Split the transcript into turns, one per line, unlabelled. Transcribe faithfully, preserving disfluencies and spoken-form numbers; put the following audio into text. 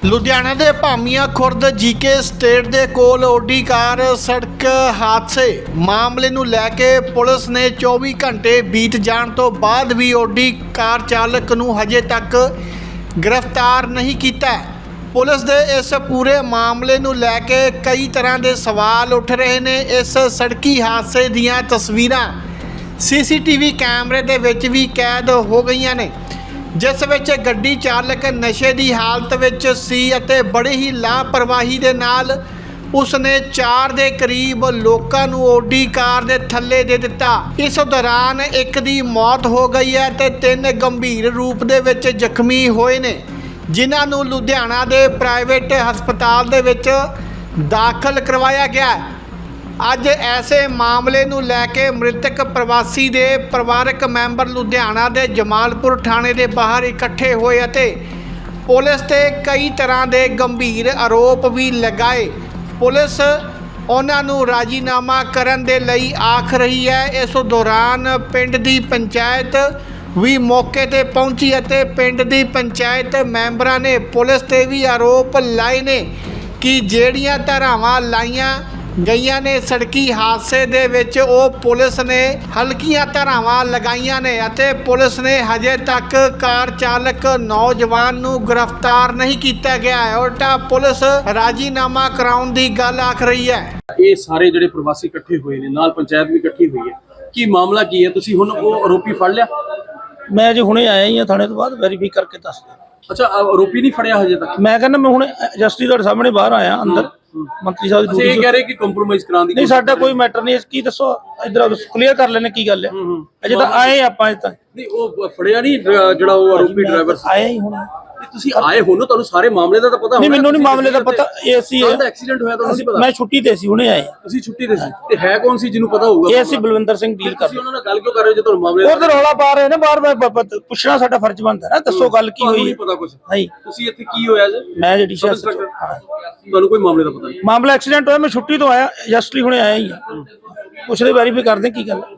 लुधियाना के भामिया Khurd GK state के कोल OD car सड़क हादसे मामले नूं लैके पुलिस ने चौबी घंटे बीत जाण तो बाद भी ओडी कार चालक नूं हजे तक गिरफ्तार नहीं किया। पुलिस के इस पूरे मामले नूं लैके कई तरह के सवाल उठ रहे ने। इस सड़की हादसे दीयां तस्वीरां सी सी टी वी कैमरे दे विच भी कैद हो गई ने, जिस विच गड्डी चालक नशे की हालत विच सी अते बड़े ही लापरवाही दे नाल उसने चार दे करीब लोकां नूं ओडी कार दे थल्ले दे दिता। इस दौरान एक दी मौत हो गई है ते तीन गंभीर रूप दे विच जख्मी होए ने, जिन्हां नूं लुधियाना दे प्राइवेट हस्पताल दे विच दाखल करवाया गया। अज ऐसे मामले नूं लैके मृतक प्रवासी दे परिवारक मैंबर लुधियाना दे जमालपुर थाणे दे बाहर इकट्ठे होए अते पुलिस ते कई तरह के गंभीर आरोप भी लगाए। पुलिस उन्हां नूं राजीनामा करन दे लई आख रही है। इस दौरान पिंड दी पंचायत भी मौके ते पहुंची अते पिंड दी पंचायत मैंबरां ने पुलिस ते भी आरोप लाए ने कि ਜਿਹੜੀਆਂ ਧਾਰਾਵਾਂ ਲਾਈਆਂ गईयां ने सड़की हादसे दे विच ओ पुलिस ने हल्कियां धारावां लगाईयां ने अते पुलिस ने हजे तक कार चालक नौजवान नूं गिरफ्तार नहीं किया गया है। उल्टा पुलिस राजीनामा कराउण दी गल आख रही है।
ये सारे जिहड़े प्रवासी इकट्ठे हुए ने नाल पंचायत भी इकट्ठी हुई है, की मामला की है? तुसीं हुण वो आरोपी फड़ लिया?
मैं अजे हुणे आया ही थाने तो बाद वेरीफाई करके दस दिया।
अच्छा, आरोपी नहीं फड़िया हजे तक?
मैं कहना मैं हुणे जस्टिस तुहाडे सामने बाहर आया अंदर मंत्री साहब
अच्छा, ये कह रहे कि कंप्रोमाइज कराने दी
नहीं साडा कोई मैटर नहीं। की दसो इधर क्लीयर कर लेने की गल है। अजे तो आए आपां अजे तक
नहीं वो फड़िया नहीं ਜਿਹੜਾ ਉਹ ਆरोपी ड्राइवर
आया ही हुणे।
ਤੁਸੀਂ ਆਏ ਹੋ ਨਾ, ਤੁਹਾਨੂੰ ਸਾਰੇ ਮਾਮਲੇ ਦਾ ਤਾਂ ਪਤਾ ਹੋਣਾ।
नहीं मैनू नहीं मामले का पता। ये ਅਸੀਂ
ਐਕਸੀਡੈਂਟ ਹੋਇਆ ਤੁਹਾਨੂੰ ਨਹੀਂ ਪਤਾ?
मैं छुट्टी ते सी हुणे आए।
ਤੁਸੀਂ ਛੁੱਟੀ ਤੇ ਸੀ ਤੇ ਹੈ ਕੌਣ ਸੀ ਜਿਹਨੂੰ ਪਤਾ ਹੋਊਗਾ?
ये ਅਸੀਂ ਬਲਵਿੰਦਰ ਸਿੰਘ ਡੀਲ ਕਰ
ਤੁਸੀਂ ਉਹਨਾਂ ਨਾਲ ਗੱਲ ਕਿਉਂ ਕਰ ਰਹੇ ਹੋ ਜੇ ਤੁਹਾਨੂੰ ਮਾਮਲੇ
ਉਧਰ ਰੌਲਾ ਪਾ ਰਹੇ ਨੇ ਬਾਹਰ। ਪੁੱਛਣਾ ਸਾਡਾ ਫਰਜ਼ ਬਣਦਾ ਨਾ, ਦੱਸੋ ਗੱਲ ਕੀ ਹੋਈ
ਨਹੀਂ
ਹੈ।
ਪਤਾ ਕੁਝ?
ਨਹੀਂ
ਤੁਸੀਂ ਇੱਥੇ ਕੀ ਹੋਇਆ ਜੀ?
ਮੈਂ ਜਿਹੜੀ ਸ਼ਾਇਦ
ਤੁਹਾਨੂੰ ਕੋਈ ਮਾਮਲੇ ਦਾ ਪਤਾ ਨਹੀਂ?
ਮਾਮਲਾ ਐਕਸੀਡੈਂਟ ਹੋਇਆ, ਮੈਂ ਛੁੱਟੀ ਤੋਂ ਆਇਆ ਜਸਟਲੀ ਹੁਣੇ ਆਇਆ ਹੀ ਆ। ਪੁੱਛਦੇ ਵੈਰੀਫਾਈ ਕਰਦੇ ਕੀ ਗੱਲ।